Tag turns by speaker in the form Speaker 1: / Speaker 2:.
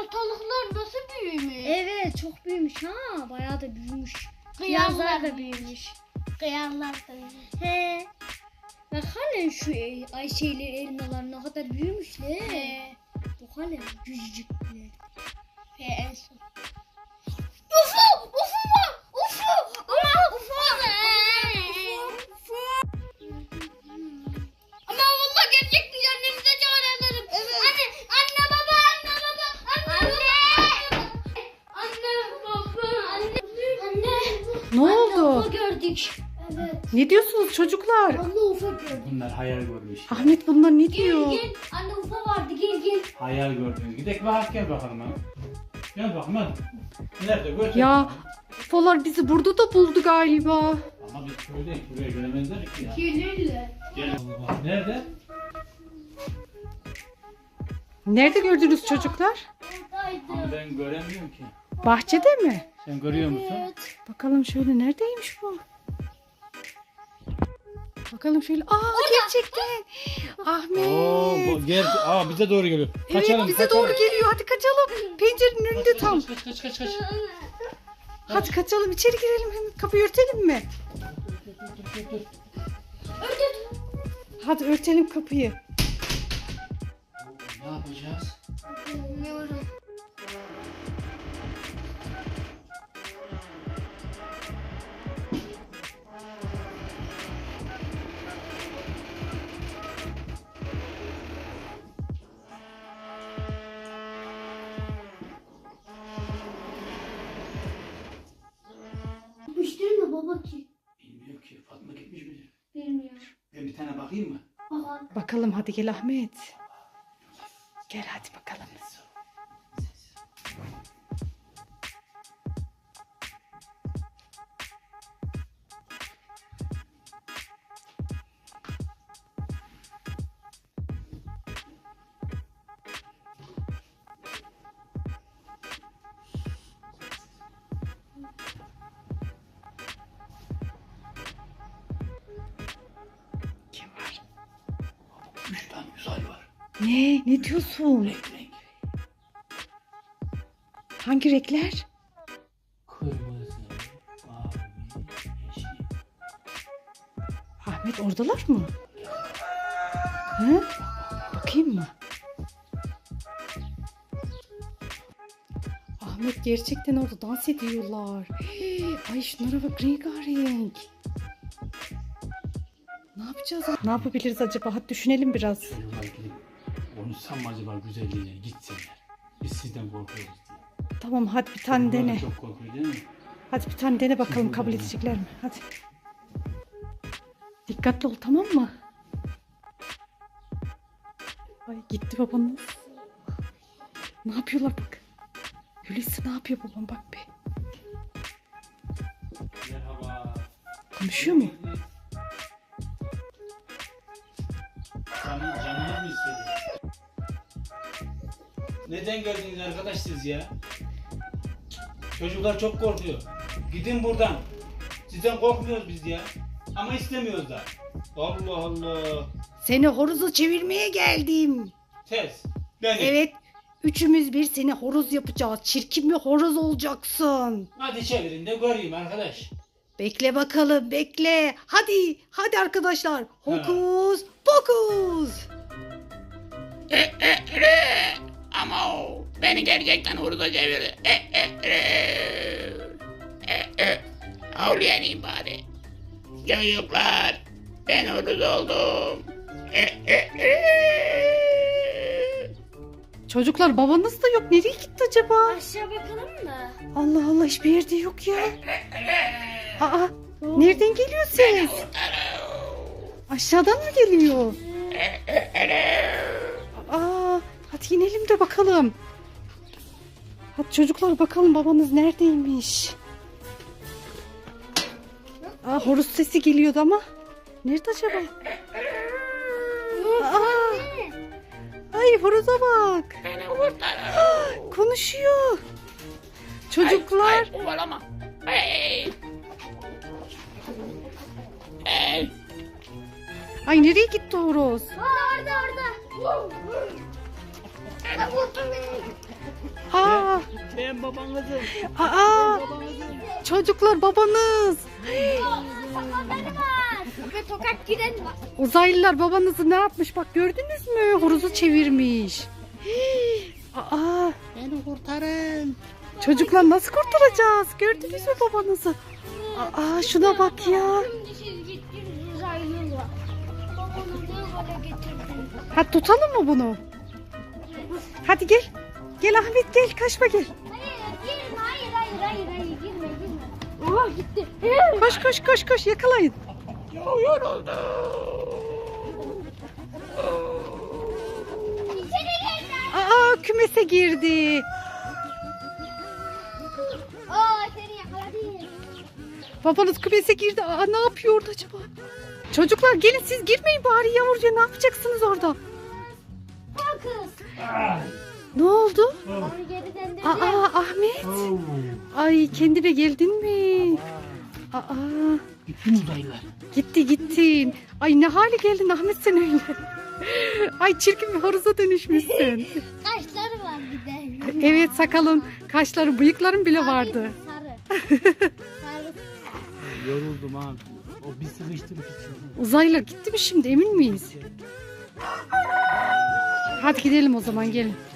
Speaker 1: ortalıklar nasıl büyümüş?
Speaker 2: Evet çok büyümüş ha. Bayağı da büyümüş.
Speaker 1: Kıyarlar
Speaker 2: Kıyarlar da büyümüş.
Speaker 1: Kıyarlar da büyümüş.
Speaker 2: He. Bak hani şu Ayşe'yle elmalar ne kadar büyümüşler. Bak hani küçücükler.
Speaker 1: En son. Ufu! Ufu var! Ufu! Ama ufu var! Ama valla gerçek bir annemize çağıralım. Evet. Anne baba, anne baba, anne baba. Anne baba, anne.
Speaker 3: Ne oldu?
Speaker 1: Ufu gördük. Evet.
Speaker 3: Ne diyorsunuz çocuklar?
Speaker 1: Anne ufu gördük.
Speaker 4: Hayal görmüş.
Speaker 3: Ahmet bunlar ne diyor?
Speaker 1: Gel. Anne ufu vardı, gel.
Speaker 4: Hayal gördünüz. Gidelim bak gel bakalım hadi. Gel bakalım hadi. Nerede götür.
Speaker 3: Ya Ufolar bizi burada da buldu galiba.
Speaker 4: Ama biz köydeyiz. Buraya gelemezler ki ya.
Speaker 1: Gelirler.
Speaker 4: Gel. Nerede?
Speaker 3: Nerede gördünüz çocuklar?
Speaker 4: Ama ben göremiyorum ki.
Speaker 3: Bahçede mi?
Speaker 4: Sen görüyor musun?
Speaker 3: Bakalım şöyle neredeymiş bu? Bakalım şöyle. Gerçekten. Ahmet.
Speaker 4: Gel. Bize doğru geliyor.
Speaker 3: Evet bize doğru geliyor. Hadi kaçalım. Pencerenin önünde tam.
Speaker 4: Kaç.
Speaker 3: Hadi kaçalım içeri girelim. Hemen kapıyı örtelim mi?
Speaker 4: Dur.
Speaker 3: Hadi örtelim kapıyı.
Speaker 4: Ne yapacağız?
Speaker 1: Bilmiyorum. Gitmiştir mi baba ki?
Speaker 4: Bilmiyorum ki. Fatma gitmiş midir?
Speaker 1: Bilmiyorum.
Speaker 4: Ben bir tane bakayım mı?
Speaker 1: Bakalım.
Speaker 3: Bakalım hadi gel Ahmet. Gel hadi bakalım. Kim var?
Speaker 4: 3 tane uzay var.
Speaker 3: Ne diyorsun?
Speaker 4: Renk.
Speaker 3: Hangi renkler?
Speaker 4: Kırmızı, mavi, yeşil.
Speaker 3: Ahmet oradalar mı? Hı? Bakayım mı? Ahmet gerçekten orada dans ediyorlar. Ay şunlara bak rengarenk. Ne yapacağız? Ne yapabiliriz acaba? Hadi düşünelim biraz.
Speaker 4: Çocuklar gidip konuşsam mı acaba güzelliğine gitsinler. Biz sizden korkuyoruz diye.
Speaker 3: Tamam hadi bir tane
Speaker 4: Çocuklar
Speaker 3: dene.
Speaker 4: çok korkuyor değil mi?
Speaker 3: Hadi bir tane dene bakalım kabul edecekler mi? Hadi. Dikkatli ol tamam mı? Ay gitti babanız. Ne yapıyorlar bak. Hulusi ne yapıyor babam bak be.
Speaker 4: Merhaba.
Speaker 3: Konuşuyor mu?
Speaker 4: Canınız mı istedi? Neden geldiniz arkadaş siz ya? Çocuklar çok korkuyor. Gidin buradan. Sizden korkmuyoruz biz ya. Ama istemiyoruz da. Allah Allah.
Speaker 3: Seni horozu çevirmeye geldim.
Speaker 4: Tez. Benim.
Speaker 3: Evet. Üçümüz bir seni horoz yapacağız. Çirkin bir horoz olacaksın.
Speaker 4: Hadi çevirin de göreyim arkadaş.
Speaker 3: Bekle bakalım bekle. Hadi arkadaşlar. Hokus pokus.
Speaker 5: Ama o beni gerçekten hurda çevirdi. Havlayanayım bari. Çocuklar ben huruz oldum.
Speaker 3: Çocuklar babanız da yok. Nereye gitti acaba?
Speaker 1: Aşağı bakalım mı?
Speaker 3: Allah Allah hiçbir yerde yok ya. Nereden geliyor ses? Aşağıdan mı geliyor? Hadi inelim de bakalım. Hadi çocuklar bakalım babanız neredeymiş? Horoz sesi geliyordu ama. Nerede acaba? Ay horoza bak.
Speaker 5: Beni kurtarın.
Speaker 3: Konuşuyor. Çocuklar.
Speaker 5: Hayır, kovalama. Hey. Hey.
Speaker 3: Ay nereye gitti horoz?
Speaker 1: Orada.
Speaker 3: Aa,
Speaker 4: Ben babanızım.
Speaker 3: aa, çocuklar babanız.
Speaker 1: Sakalları var. Ve tokat giren var.
Speaker 3: Uzaylılar babanızı ne yapmış bak gördünüz mü? Horozu çevirmiş. Hii, aa,
Speaker 5: Beni kurtarın.
Speaker 3: çocuklar nasıl kurtaracağız? Gördünüz mü babanızı? Aa, şuna bak ya.
Speaker 1: Şimdi siz gittiniz uzaylılar. Babanı ne hale getirdiniz?
Speaker 3: Hadi tutalım mı bunu? Hadi gel. Gel Ahmet gel kaçma gel.
Speaker 1: Hayır girme hayır girme girme. Oha gitti.
Speaker 3: Koş koş koş koş yakalayın.
Speaker 1: İçeri girdi.
Speaker 3: Aa kümese girdi.
Speaker 1: Seni yakaladı.
Speaker 3: Babanız kümese girdi. Aa ne yapıyor orada acaba? Çocuklar gelin siz girmeyin bari yavruca ne yapacaksınız orada?
Speaker 1: Al kız.
Speaker 3: Ne oldu?
Speaker 1: Onu geri döndürdü.
Speaker 3: Aa Ahmet. Ay kendine geldin mi? Aa
Speaker 4: Gittin uzaylılar.
Speaker 3: gittin. Ay ne hale geldin Ahmet sen öyle. Ay çirkin bir horoza dönüşmüşsün.
Speaker 1: Kaşları var bir de.
Speaker 3: Evet sakalın, kaşların, bıyıkların bile vardı.
Speaker 1: Sarı. Sarı.
Speaker 4: Yoruldum abi. O bir sıkıştırıp içiyor.
Speaker 3: Uzaylılar gitti mi şimdi emin miyiz? Hadi gidelim o zaman gelin.